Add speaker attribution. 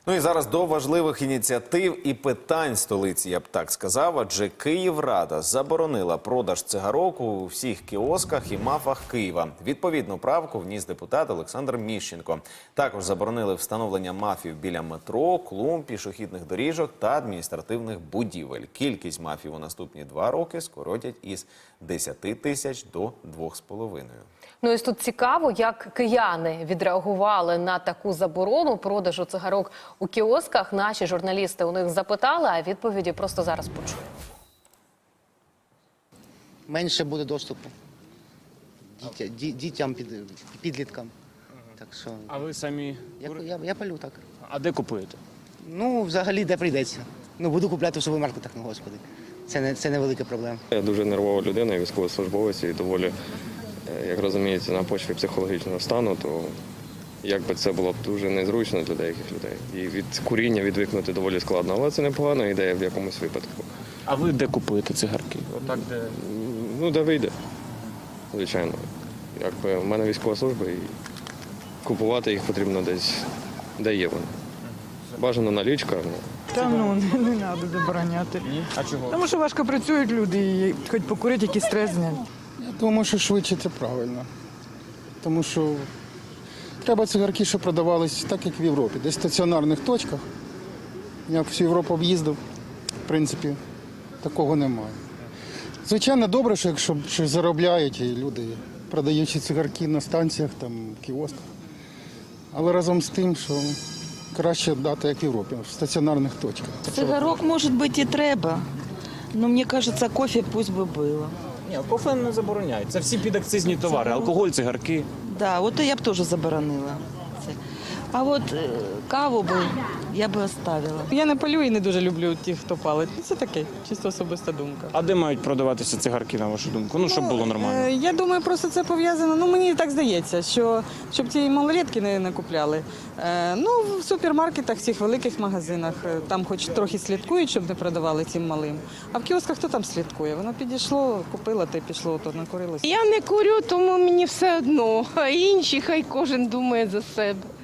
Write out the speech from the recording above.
Speaker 1: Ну і зараз до важливих ініціатив і питань столиці, я б так сказав, адже Київрада заборонила продаж цигарок у всіх кіосках і МАФах Києва. Відповідну правку вніс депутат Олександр Міщенко. Також заборонили встановлення МАФів біля метро, клумб, пішохідних доріжок та адміністративних будівель. Кількість МАФів у наступні 2 роки скоротять із 10 тисяч до 2,5.
Speaker 2: Ну і тут цікаво, як кияни відреагували на таку заборону продажу цигарок у кіосках. Наші журналісти у них запитали, а відповіді просто зараз почуємо.
Speaker 3: Менше буде доступу дітям, підліткам. Так що
Speaker 4: А ви самі?
Speaker 3: я палю так.
Speaker 4: А де купуєте?
Speaker 3: Ну, взагалі, де прийдеться. Ну, буду купляти в супермаркетах, ну, господи. Це невелика проблема.
Speaker 5: Я дуже нервова людина, військовослужбовець, і доволі, як розумієте, на почві психологічного стану, то якби це було б дуже незручно для деяких людей. І від куріння відвикнути доволі складно, але це непогана ідея в якомусь випадку.
Speaker 4: А ви де купуєте цигарки? Отак, де?
Speaker 5: Ну, де вийде, звичайно. Якби в мене військова служба, і купувати їх потрібно десь, де є вони. Бажано налічка.
Speaker 6: Та ну, не треба забороняти.
Speaker 4: А чого?
Speaker 6: Тому що важко працюють люди і хоч покурити, якийсь стрес зняти.
Speaker 7: Я думаю, що швидше це правильно. Тому що треба цигарки, що продавались так, як в Європі, десь в стаціонарних точках. Я всю Європу об'їздив, в принципі, такого немає. Звичайно, добре, що якщо щось заробляють і люди, продаючи цигарки на станціях, там, кіосках. Але разом з тим, що краще дати, як в Європі, в стаціонарних точках.
Speaker 8: Цигарок, может быть, и треба, но мне кажется, кофе пусть бы было.
Speaker 4: Ні, кофе не забороняють. Це всі підакцизні товари. Алкоголь, цигарки.
Speaker 8: Да, вот я б тоже заборонила. А вот каву би я би оставила.
Speaker 6: Я не палю і не дуже люблю тих, хто палить. Це таке, чисто особиста думка.
Speaker 4: А де мають продаватися цигарки, на вашу думку? Ну, щоб було нормально.
Speaker 6: Я думаю, просто це пов'язано, ну мені так здається, що щоб ці малолетки не купляли. Ну, в супермаркетах, в цих великих магазинах, там хоч трохи слідкують, щоб не продавали цим малим. А в кіосках хто там слідкує? Воно підійшло, купила та й пішло, то накурилося.
Speaker 9: Я не курю, тому мені все одно. А інші хай кожен думає за себе.